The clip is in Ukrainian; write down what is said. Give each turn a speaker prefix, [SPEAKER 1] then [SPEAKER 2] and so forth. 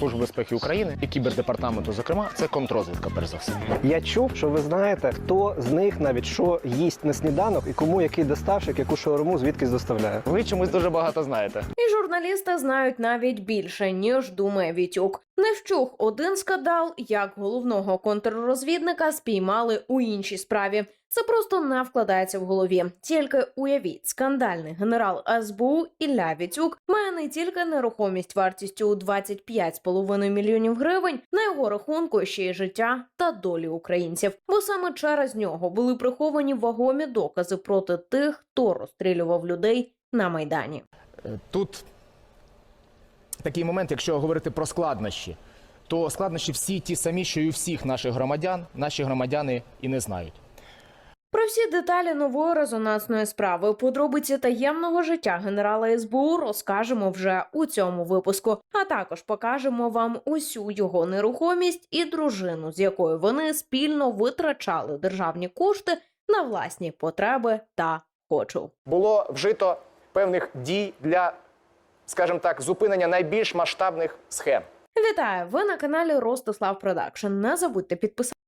[SPEAKER 1] Служби безпеки України і кібердепартаменту, зокрема, це контррозвідка, перш за все.
[SPEAKER 2] Я чув, що ви знаєте, хто з них навіть що їсть на сніданок і кому який доставщик, яку шаурму звідкись доставляє.
[SPEAKER 1] Ви чомусь дуже багато знаєте.
[SPEAKER 3] І журналісти знають навіть більше, ніж думає Вітюк. Не вщух один скандал, як головного контррозвідника спіймали у іншій справі. Це просто не вкладається в голові. Тільки уявіть, скандальний генерал СБУ Ілля Вітюк має не тільки нерухомість вартістю у 25,5 мільйонів гривень, на його рахунку ще й життя та долі українців. Бо саме через нього були приховані вагомі докази проти тих, хто розстрілював людей на Майдані.
[SPEAKER 1] Тут такий момент, якщо говорити про складнощі, то складнощі всі ті самі, що і у всіх наших громадян, наші громадяни і не знають.
[SPEAKER 3] Про всі деталі нової резонансної справи, подробиці таємного життя генерала СБУ розкажемо вже у цьому випуску. А також покажемо вам усю його нерухомість і дружину, з якою вони спільно витрачали державні кошти на власні потреби та хочу.
[SPEAKER 1] Було вжито певних дій для, скажімо так, зупинення найбільш масштабних схем.
[SPEAKER 3] Вітаю! Ви на каналі Ростислав Продакшн. Не забудьте підписатися